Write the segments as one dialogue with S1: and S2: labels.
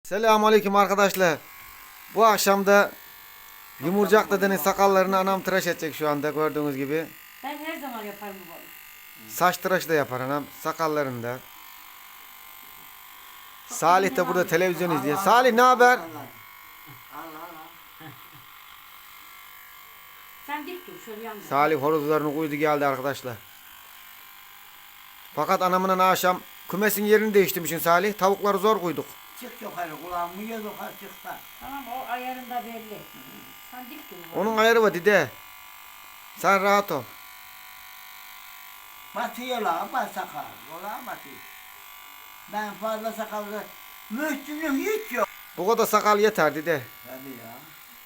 S1: Selamünaleyküm arkadaşlar. Bu akşam da Yumurcak dedenin sakallarını anam tıraş edecek şu anda gördüğünüz gibi.
S2: Ben her zaman yaparım bu balığı.
S1: Saç tıraşı da yapar anam sakallarını da. Salih de burada televizyon izliyor. Salih ne haber?
S2: Sen dik dur şöyle yanına.
S1: Salih horozlarını koydu geldi arkadaşlar. Fakat anamın akşam kümesin yerini değiştirmişsin Salih. Tavukları zor koyduk.
S3: Çık yukarı kulağımı yüz yukarı çık da.
S2: Tamam o ayarında belli. Sen dik dur.
S1: Onun ayarı var dede. Sen rahat ol.
S3: Batıyor la bas sakal. Ola batıyor. Ben fazla sakallı. Müslüm'üm hiç yok.
S1: Bu kadar sakal yeter dede.
S3: Tabii ya.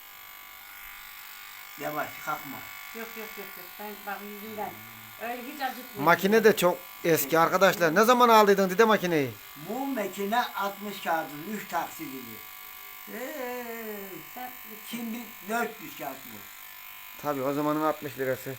S3: Yavaş kalkma.
S2: Yok. Ben bak yüzümden. Öyle hiç acıtmıyor.
S1: Makine de çok eski arkadaşlar. Ne zaman aldıydın dede makineyi?
S3: Bu makine 60 kağıdın 3 taksidini.
S2: Sen
S3: Şimdi 400 kağıt bu.
S1: Tabii o zamanın 60 lirası.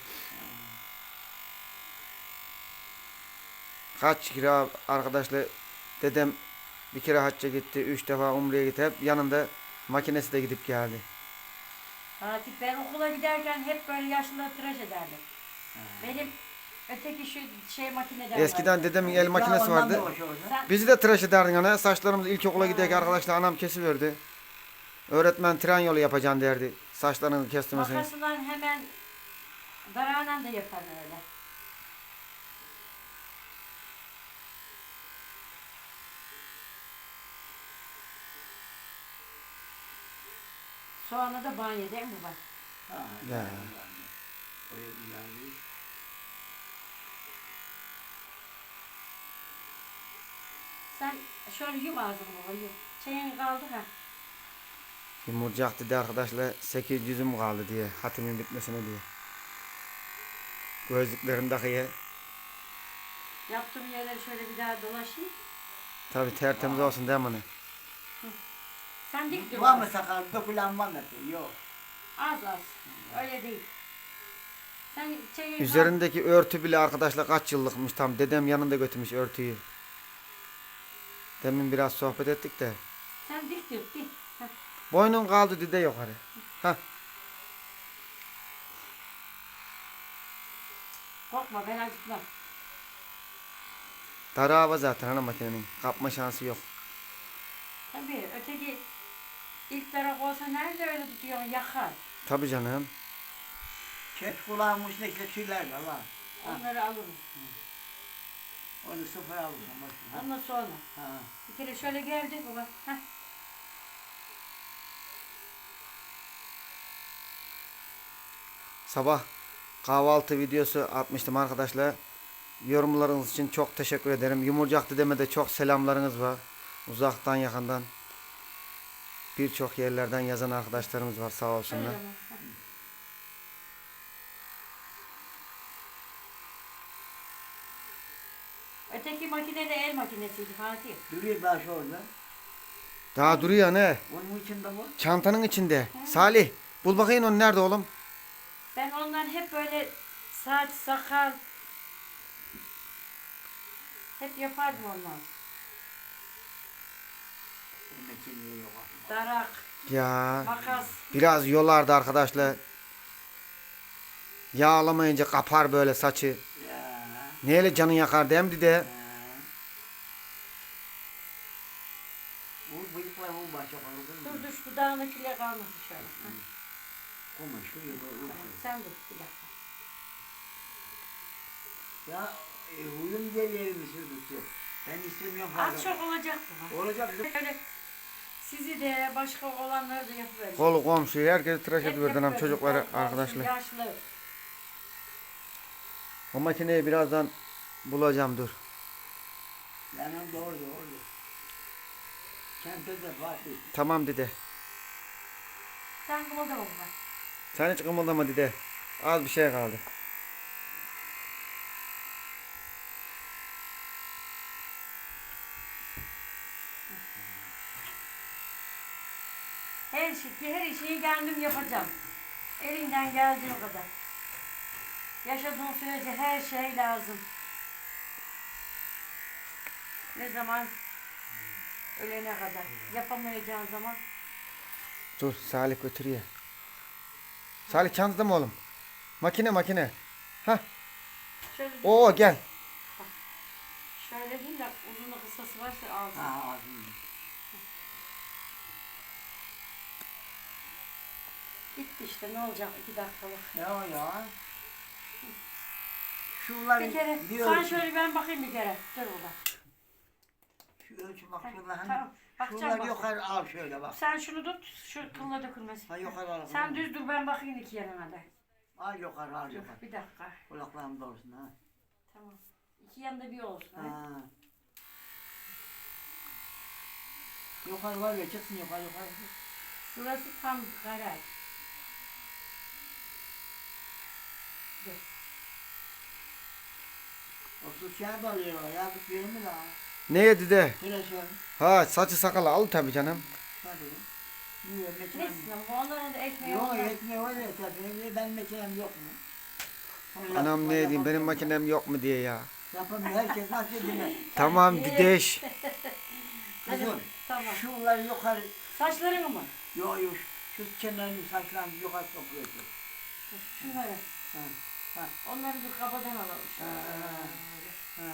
S1: Kaç kira arkadaşlar dedem bir kere hacca gitti, 3 defa umreye gitti. Hep yanında makinesi de gidip geldi.
S2: Fatih ben okula giderken hep böyle yaşlıları tıraş ederdim. Benim öteki şu şey makineden
S1: Eskiden dedemin el makinesi
S3: Ondan
S1: vardı.
S3: da boş olsa.
S2: Sen
S1: Bizi de tıraş ederdin ana. Saçlarımız ilkokula giderken arkadaşlar anam kesiverdi. Öğretmen tren yolu yapacaksın derdi. Saçlarını kestirmesini.
S2: makasından hemen darağıyla da yapar öyle. Soğanı da banyo değil mi bak?
S3: Ha,
S1: Ya.
S3: Öyle güzel.
S2: Sen şöyle yum ağzını baba yum. Çayın kaldı ha.
S1: Yumurcak dedi arkadaşlar 800'üm kaldı diye. Hatimin bitmesine diye. Gözlüklerim takıya.
S2: Yaptığım yerleri şöyle bir daha dolaşayım.
S1: Tabii tertemiz olsun değil mi anne?
S2: Sen dik dur.
S3: Var mı sakal? Dökülen var mı? Yok.
S2: Az. Öyle değil. Sen çayın
S1: Üzerindeki örtü bile arkadaşlar kaç yıllıkmış tam. Dedem yanında götürmüş örtüyü. Demin biraz sohbet ettik de.
S2: Sen dik dur dik. Heh.
S1: Boynun kaldı dede yukarı. Hah.
S2: Korkma ben acıtmam.
S1: Darı hava zaten ana makinenin. Kapma şansı yok.
S2: Tabii öteki ilk taraf olsa nerede öyle tutuyorsun yakar.
S1: Tabii canım.
S3: Kes kulağımın üstündeki tüyler de var.
S2: Onları alırım.
S3: Onu sıfır alırım.
S2: Ondan sonra.
S3: Ha.
S2: Bir kere şöyle geldi baba. Heh.
S1: Sabah kahvaltı videosu atmıştım arkadaşlar. Yorumlarınız için çok teşekkür ederim. Yumurcak dedeme de çok selamlarınız var. Uzaktan yakından. Birçok yerlerden yazan arkadaşlarımız var sağ
S2: Şöyle
S1: olsunlar.
S2: baba. Heh. Öteki makine de el makinesiydi Fatih.
S3: Duruyor daha şu orada.
S1: Daha duruyor ne?
S3: Onun içinde bu.
S1: Çantanın içinde. Salih bul bakayım onu nerede oğlum?
S2: Ben ondan hep böyle saç, sakal hep yapardım ondan.
S3: Onun içinde yok.
S2: Darak,
S1: Ya
S2: makas.
S1: biraz yolardı arkadaşlar. Yağlamayınca kapar böyle saçı.
S3: Ya.
S1: Neyle canın yakar değil mi dede?
S3: Bu bıyıklar bu başa kaldı.
S2: Dur şu dudağındakiyle kalmasın şöyle. Heh.
S3: Kuma şu yukarı.
S2: Sen dur bir dakika.
S3: Ya huyum geliyor sürdükçe. Ben istemiyorum fazla.
S2: Az çok olacak bu.
S3: Olacak.
S2: Böyle sizi de başka olanları da yapıverin.
S1: Kolu komşuyu herkesi tıraş
S2: Hep
S1: ediverdi anam
S2: yapıverin.
S1: çocukları
S2: Olsun,
S1: arkadaşlar.
S2: Yaşlı.
S1: O makineyi birazdan bulacağım dur.
S3: Benim doğru. Kente de Fatih.
S1: Tamam dede.
S2: Sen kımıldama baba.
S1: Sen hiç kımıldama dede. Az bir şey kaldı.
S2: Her şeyi kendim yapacağım. Elinden geldiği kadar. Yaşadığın sürece her şey lazım. Ne zaman Ölene kadar. Yapamayacağın zaman.
S1: Dur Salih götürüyor. Salih çantada mı oğlum? Makine. Hah.
S2: Şöyle
S1: Oo gel.
S2: Şöyle değil de uzun kısası varsa alsın.
S3: Ha, ağzını.
S2: Gitti işte ne olacak 2 dakikalık.
S3: Ya. Şunları
S2: Bir kere
S3: bir
S2: sen
S3: ölçü.
S2: şöyle ben bakayım bir kere. Dur burada.
S3: Şu ölçü bak
S2: Ha,
S3: şunlar hani.
S2: tamam, bakacağım
S3: Şunları
S2: bak.
S3: yukarı al şöyle bak.
S2: Sen şunu tut, şu kılına dökülmesin.
S3: Ha yukarı al.
S2: Sen düz dur ben bakayım 2 yanına da.
S3: Al yukarı al
S2: Dur
S3: yukarı.
S2: bir dakika.
S3: Kulaklarım doğrusun ha.
S2: Tamam. 2 yanında bir olsun. Ha.
S3: Ha. Yukarı var ya çıksın yukarı.
S2: Şurası tam garaj. Dur.
S3: O su şey bağlıyor ya bu bir mi la?
S1: Neye dede?
S3: Tıraşın.
S1: Ha saçı sakalı al tabii canım.
S3: Hadi. Niye meçhulüm?
S2: Neyse bu onların da ekmeği
S3: Yok
S2: olmaz.
S3: ekmeği var ya tabii. Ben meçhulüm yok mu?
S1: Anam ne diyeyim benim makinem yok mu diye ya.
S3: Yapamıyor herkes nasıl dinler.
S1: Tamam dideş.
S3: Kızım
S2: Tamam.
S3: şunları yukarı.
S2: Saçlarını mı?
S3: Yok şu kenarını saçlarını yukarı topluyorsun.
S2: Şunları.
S3: Ha.
S2: Onları bir kabadan alalım.
S3: Ha.
S2: Şöyle.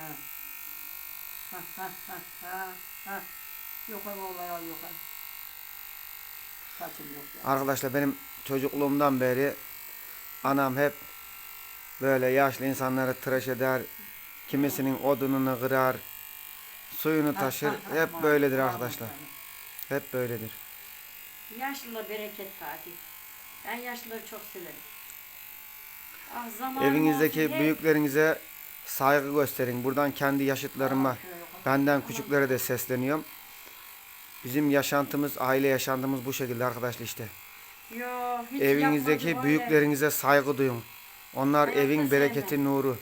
S3: Ha. Yukarı olay al yukarı. Saçım yok ya.
S1: Arkadaşlar benim çocukluğumdan beri anam hep böyle yaşlı insanları tıraş eder. Kimisinin odununu kırar. Suyunu taşır. Hep böyledir arkadaşlar. Hep böyledir.
S2: Yaşlıla bereket Fatih. Ben yaşlıları çok severim. Ah, zamanım
S1: Evinizdeki
S2: olsun,
S1: büyüklerinize saygı gösterin. Buradan kendi yaşıtlarıma, benden küçüklere de sesleniyorum. Bizim yaşantımız, aile yaşantımız bu şekilde arkadaşlar işte.
S2: Yo, hiç
S1: Evinizdeki
S2: yapmadım
S1: büyüklerinize saygı duyun. Onlar
S2: Hayatta
S1: evin bereketi,
S2: sevmem.
S1: nuru.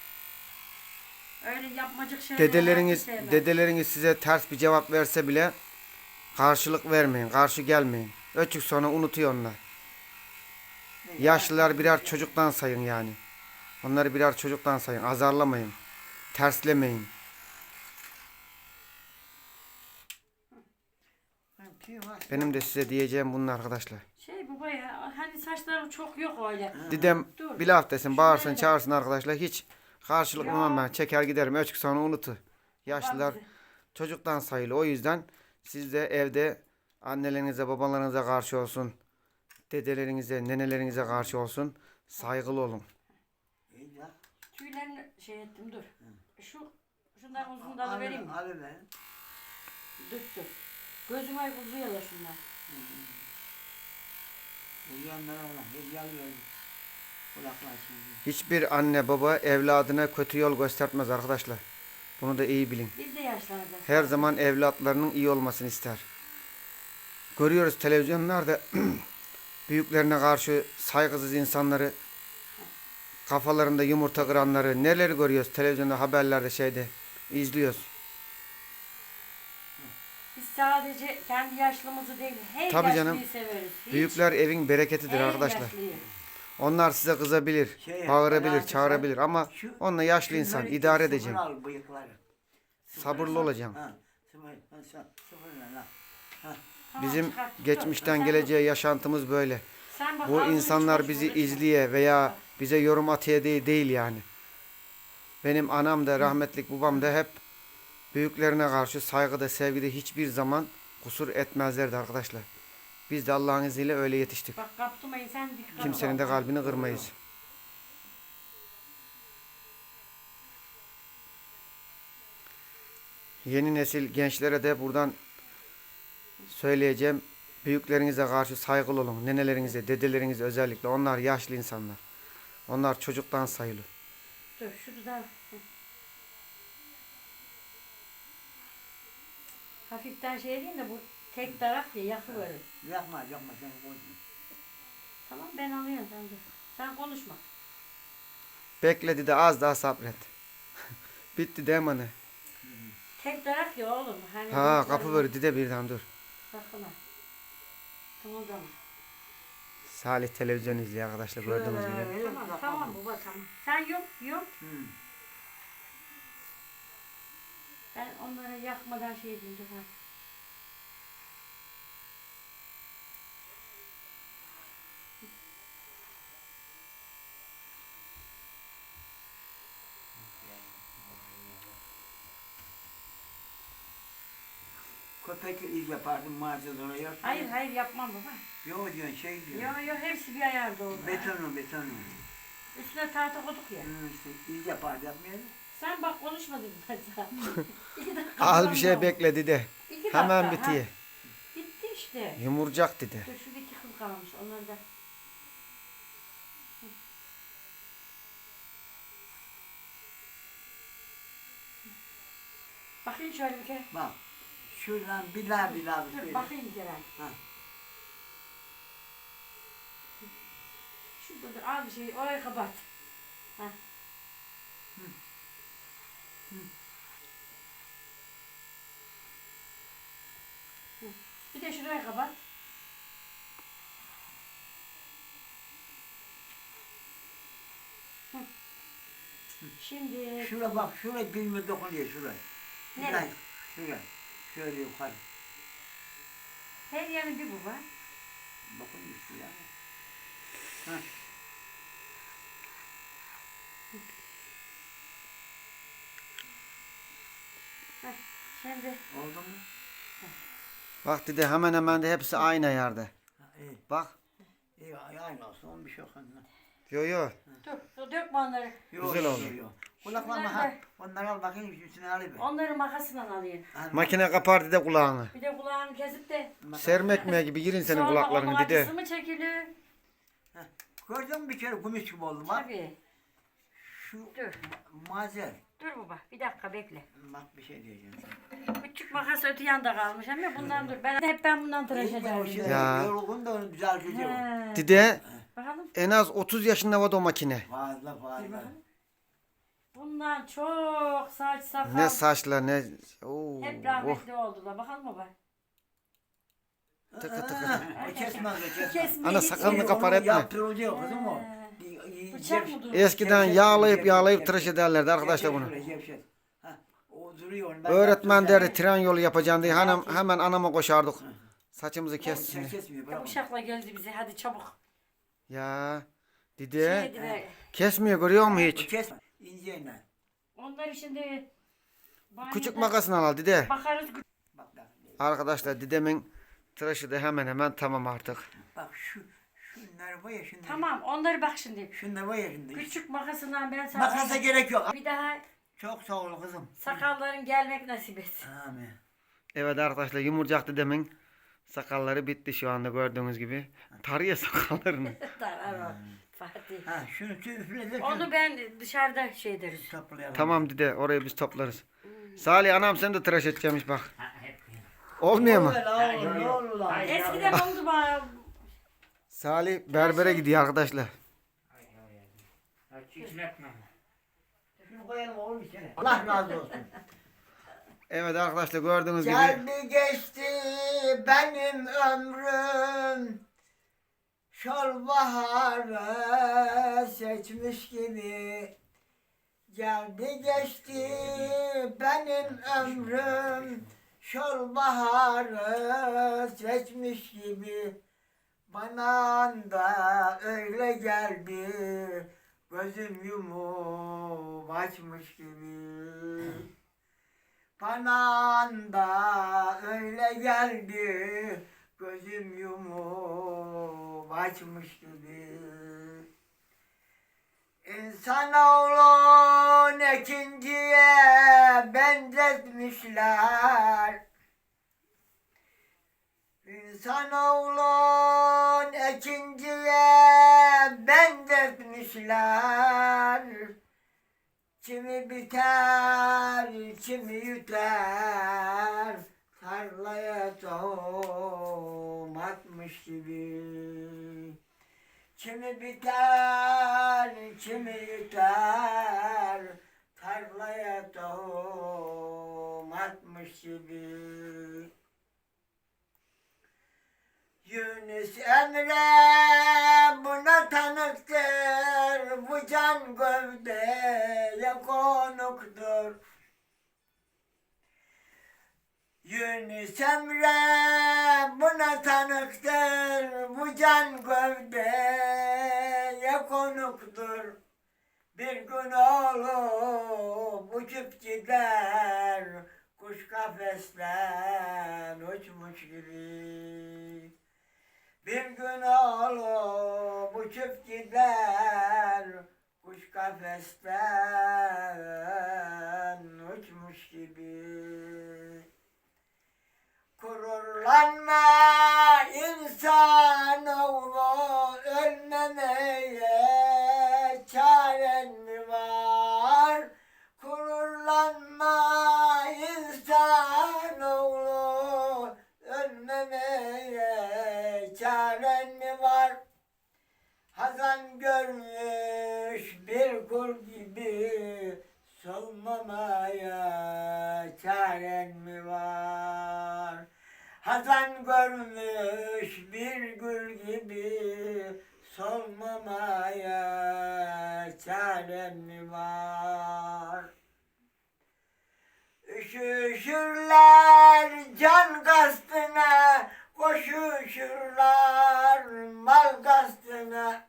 S2: Öyle yapmacık şeyler
S1: Dedeleriniz,
S2: hayatta sevmem.
S1: dedeleriniz size ters bir cevap verse bile karşılık vermeyin, karşı gelmeyin. Öçük sonra unutuyor onlar. Yaşlılar birer çocuktan sayın yani. Onları birer çocuktan sayın. Azarlamayın. Terslemeyin. Benim de size diyeceğim bunlar arkadaşlar.
S2: Baba ya hani saçlarım çok yok öyle.
S1: Dedem
S2: Dur.
S1: bir laf desin, bağırsın,
S2: Şöyle.
S1: çağırsın arkadaşlar. Hiç karşılık
S2: Ya.
S1: vermem ben. Çeker giderim. Öçük sonra unutu. Yaşlılar
S2: Bazı-
S1: çocuktan sayılı. O yüzden siz de evde annelerinize, babalarınıza karşı olsun. Dedelerinize, nenelerinize karşı olsun. Saygılı olun.
S2: Tüylerini şey ettim dur. Şundan uzun dalı vereyim mi?
S3: Abi be.
S2: Dur. Gözüme uzuyorlar şunlar.
S3: Yiyenler Allah. Hediye alıyor. Kulaklar şimdi.
S1: Hiçbir anne baba evladına kötü yol göstermez arkadaşlar. Bunu da iyi bilin.
S2: Biz de yaşlanacağız.
S1: Her zaman evlatlarının iyi olmasını ister. Görüyoruz televizyonlarda büyüklerine karşı saygısız insanları, kafalarında yumurta kıranları, neler görüyoruz televizyonda, haberlerde, şeyde izliyoruz.
S2: Biz sadece kendi yaşlımızı değil, her
S1: Tabii
S2: yaşlıyı
S1: canım.
S2: severiz. Hiç,
S1: Büyükler evin bereketidir
S2: her
S1: arkadaşlar.
S2: yaşlıyı.
S1: Onlar size kızabilir, bağırabilir,
S3: alakası
S1: çağırabilir ama
S3: Şu-
S1: onunla yaşlı insan
S3: şunları
S1: idare
S3: sıfır
S1: edeceğim.
S3: al bıyıkları.
S1: Sabırlı olacağım.
S3: Ha, sıfır al.
S2: Tamam,
S1: Bizim
S2: çıkart, dur.
S1: geçmişten
S2: Sen
S1: geleceğe yaşantımız böyle.
S2: Sen bak,
S1: Bu
S2: ağzını
S1: insanlar
S2: hiç
S1: bizi
S2: boş bırakma.
S1: izliye veya bize yorum atıyor değil yani. Benim anam da rahmetlik babam da hep büyüklerine karşı saygıda, sevgide hiçbir zaman kusur etmezlerdi arkadaşlar. Biz de Allah'ın izniyle öyle yetiştik.
S2: Bak kaptırmayın sen dikkat
S1: Kimsenin de kalbini kırmayız. Yeni nesil gençlere de buradan söyleyeceğim. Büyüklerinize karşı saygılı olun. Nenelerinize, dedelerinize özellikle. Onlar yaşlı insanlar. Onlar çocuktan sayılı.
S2: Dur şunu da hafiften şey edeyim de bu tek taraf ya yakıverir.
S3: Yapma sen koy.
S2: Tamam ben alıyorum sen dur. Sen konuşma.
S1: Bekledi de az daha sabret. Bitti değil mi anne?
S2: Tek taraf ya oğlum. Hani
S1: Ha
S2: bu
S1: kapı
S2: tarafı-
S1: verdi de birden dur.
S2: Sakın ha. Tamam tamam.
S1: Salih televizyon izliyor arkadaşlar gördüğünüz gibi.
S2: Tamam baba tamam. Sen yok. Ben onları yakmadan şey edeyim dur ha.
S3: köpek iz yapardım mağazadan oraya.
S2: Hayır hayır yapmam baba.
S3: Yok diyorsun şey diyor.
S2: Yok yok hepsi bir ayarda oldu.
S3: Betonu.
S2: Üstüne tahta koyduk ya.
S3: İşte iz yapardı yapmayalım.
S2: Sen bak konuşmadın ben sana. 2 dakika
S1: Az
S2: falan
S1: bir şey
S2: oldu.
S1: bekle dede.
S2: 2 dakika.
S1: Hemen
S2: ha.
S1: bitiyor.
S2: Bitti işte.
S1: Yumurcak dede.
S2: Dur şurada 2 kıl kalmış. Onları da. Bakayım şöyle bir kere.
S3: Bak. Şuradan bir daha bir
S2: Dur bakayım bir kere.
S3: Ha.
S2: Şurada dur al bir şey orayı kapat. Ha. Bir de şurayı kapat. Hı. Şimdi
S3: Şura bak, şura dilime dokunuyor şura.
S2: nereye?
S3: Şura. Şöyle yukarı.
S2: Her yanı bir bu var.
S3: Dokunuyor şuraya. Ha.
S2: Şimdi
S3: Oldu mu?
S1: Bak dede hemen hemen de hepsi aynı yerde.
S3: Ha, iyi.
S1: Bak.
S3: İyi, aynı olsun, bir şey yok ondan.
S1: Yo yo.
S2: dur dökme onları.
S3: Yok,
S1: Güzel oldu.
S3: yok. Kulaklarına
S2: Şunları
S3: ha.
S2: da-
S3: Onları al bakayım, üstüne alayım.
S2: Onları makasından alayım.
S1: Makine kapar dede kulağını.
S2: Bir de kulağını kesip de
S1: Serme ekmeği gibi girin senin
S2: sonra onun
S1: kulaklarını dede.
S2: acısı mı çekilir?
S3: Gördün mü bir kere kumis gibi oldu bak.
S2: Tabii.
S3: Şu
S2: Dur.
S3: mazer.
S2: Dur baba bir dakika bekle.
S3: Bak bir şey diyeceğim sana.
S2: Küçük makas öte yanda kalmış ama bundan dur. Ben bundan tıraş
S3: O
S2: ederdim.
S3: şey,
S1: Ya.
S3: yorgun da onu düzeltecek o.
S2: He.
S1: Dede
S2: Bakalım.
S1: en az 30 yaşında var o makine.
S3: Fazla
S2: Bir
S3: fazla.
S2: bakalım. Bundan çok saç sakal.
S1: Ne saçlar ne. Oo,
S2: Hep
S1: oh.
S2: rahmetli oldular. Bakalım baba.
S1: Tıkı tıkı.
S3: O kesmez o kesmez.
S2: Kesmeyi
S1: Ana
S2: hiç-
S1: sakalını
S3: Onu
S1: kapar etme.
S3: Yaptırılacak kızım o.
S2: Bıçak mı durur?
S1: Eskiden yağlayıp tıraş ederlerdi arkadaşlar bunu.
S3: O duruyor. onu ben
S1: Öğretmen
S3: yaptıracağım.
S1: derdi tren yolu yapacaksın diye hemen anama koşardık. Saçımızı kessin.
S3: Kesmiyor
S2: Ya
S3: bırak.
S2: bıçakla geldi bize. Hadi çabuk.
S1: Ya
S2: Şey
S1: dede
S2: dedi,
S1: kesmiyor görüyor musun
S3: O
S1: hiç?
S3: kesme. İnceyle.
S2: onları şimdi
S1: Küçük
S2: banyoda
S1: makasını al dede.
S2: bakarız.
S3: Bak bak.
S1: Arkadaşlar dedemin tıraşı da hemen hemen tamam artık.
S3: Bak şunlar var ya şunlar.
S2: Tamam onları bak şimdi.
S3: Şunlar var ya şimdi.
S2: Küçük makasından ben sana
S3: Makasa gerek yok.
S2: bir daha
S3: Çok sağ ol kızım.
S2: sakalların gelmek nasip etsin.
S3: Amin.
S1: Evet arkadaşlar yumurcak dedemin sakalları bitti şu anda gördüğünüz gibi. Tarıyor sakallarını.
S2: Tamam Fatih.
S3: Ha şunu üfle de
S2: Onu ben dışarıda şey deriz.
S3: toplayalım.
S1: Tamam dede orayı biz toplarız. Salih anam sen de tıraş edeceğimiş bak. Olmuyor mu?
S3: Ne olur lan?
S2: Eskiden oldu bana.
S1: Salih berbere gidiyor arkadaşlar.
S3: Şunu koyalım oğlum içine. Allah razı olsun.
S1: Evet arkadaşlar gördüğünüz gibi.
S3: Geldi geçti benim ömrüm. Şol baharı seçmiş gibi. Geldi geçti benim ömrüm. Şol baharı seçmiş gibi. Bana da öyle geldi. Gözüm yumup açmış gibi. Bana da öyle geldi. Gözüm yumup açmış gibi. İnsanoğlun ikinciye benzetmişler. İnsanoğlun ikinciye benzetmişler. Kimi biter, kimi yutar, tarlaya tohum atmış gibi. Kimi biter, kimi yutar, tarlaya tohum atmış gibi. Yunus Emre buna tanıktır, bu can gövdeye konuktur. Yunus Emre buna tanıktır, bu can gövdeye konuktur. Bir gün olup uçup gider, kuş kafesten uçmuş gibi. Bir gün oğlum uçup gider, kuş kafesten uçmuş gibi. Gururlanma insanoğlu, ölmemeye çaren mi var? Gururlanma insanoğlu, ölmemeye çaren mi var? Hazan görmüş bir kul gibi, solmamaya çaren mi var? Hazan görmüş bir gül gibi, solmamaya çaren mi var? Üşüşürler can kastına, koşuşurlar mal kastına.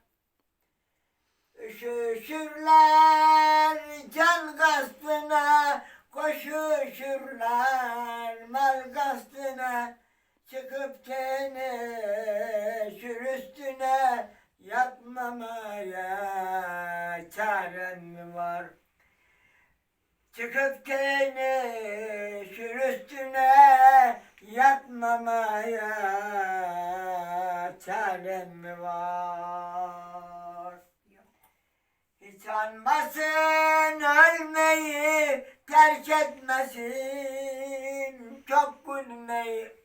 S3: Üşüşürler can kastına, koşuşurlar mal kastına. Çıkıp teneşür üstüne, yatmamaya çaren mi var? Çıkıp teneşür üstüne, yatmamaya çaren mi var? Hiç anmasın ölmeyi, terk etmesin çok gülmeyi.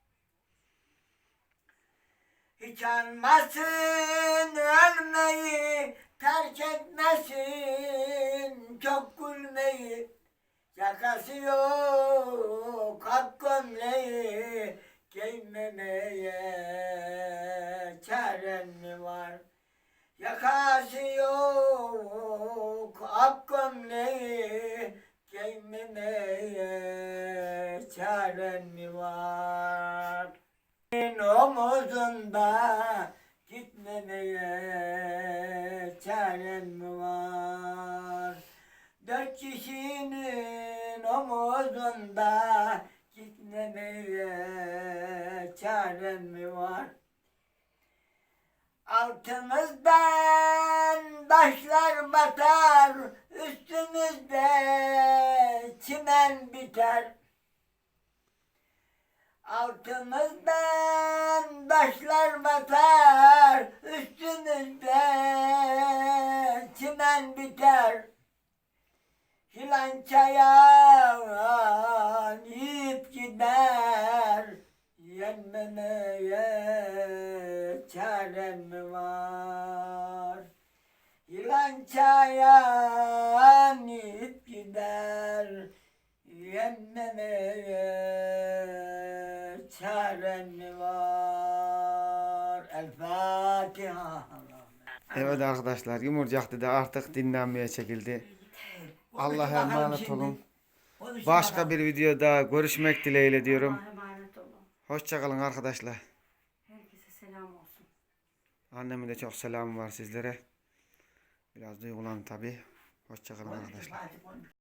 S3: Hiç anmasın ölmeyi, terk etmesin çok gülmeyi. Yakası yok ak gömleği, giymemeye çaren mi var? Yakası yok ak gömleği, giymemeye çaren mi var? Omuzunda gitmemeye çaren mi var? Dört kişinin omuzunda gitmemeye çaren mi var? Altımızdan taşlar batar, üstümüzde çimen biter. Altımızdan taşlar batar, üstümüzde çimen biter. Filan çayan yiyip gider, yenmemeye çaren mi var? Filan çayan yiyip gider, yenmemeye çaren mi var? El Fatiha.
S1: Evet arkadaşlar, Yumurcak'ta da artık dinlenmeye çekildi. Allah'a emanet olun. Başka bir videoda görüşmek dileğiyle diyorum.
S2: Allah'a emanet olun.
S1: Hoşçakalın arkadaşlar.
S2: Herkese selam olsun.
S1: Annemin de çok selamı var sizlere. Biraz duygulandım tabi. Hoşçakalın arkadaşlar.